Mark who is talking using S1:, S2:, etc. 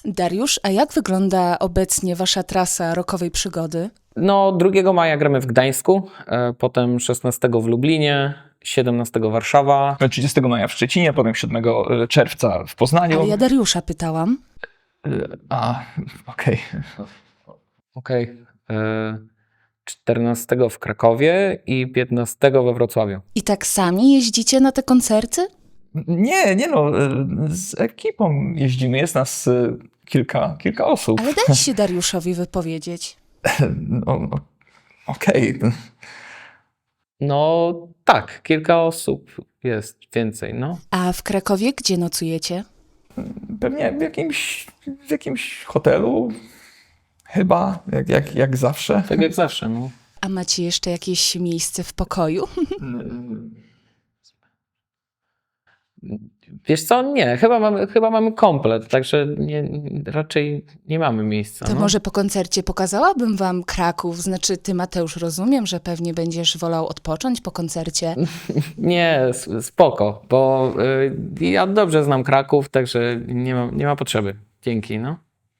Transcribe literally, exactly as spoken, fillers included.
S1: Dariusz, a jak wygląda obecnie wasza trasa rockowej przygody?
S2: No, drugiego maja gramy w Gdańsku, e, potem szesnastego w Lublinie, siedemnastego Warszawa.
S3: trzydziestego maja w Szczecinie, potem siódmego czerwca w Poznaniu.
S1: Ale ja Dariusza pytałam.
S3: A, okej.
S2: Okej. E, czternastego w Krakowie i piętnastego we Wrocławiu.
S1: I tak sami jeździcie na te koncerty?
S3: Nie, nie no, z ekipą jeździmy, jest nas y, kilka, kilka osób.
S1: Ale daj się Dariuszowi wypowiedzieć.
S3: No, no, okej.
S2: No tak, kilka osób jest więcej, no.
S1: A w Krakowie gdzie nocujecie?
S3: Pewnie w jakimś, w jakimś hotelu, chyba, jak, jak, jak zawsze.
S2: Tak jak zawsze, no.
S1: A macie jeszcze jakieś miejsce w pokoju?
S2: Wiesz co, nie, chyba mamy, chyba mamy komplet, także nie, raczej nie mamy miejsca.
S1: To
S2: no.
S1: może po koncercie pokazałabym wam Kraków. Znaczy, ty, Mateusz, rozumiem, że pewnie będziesz wolał odpocząć po koncercie.
S2: Nie, s- spoko, bo y, ja dobrze znam Kraków, także nie ma, nie ma potrzeby. Dzięki, no.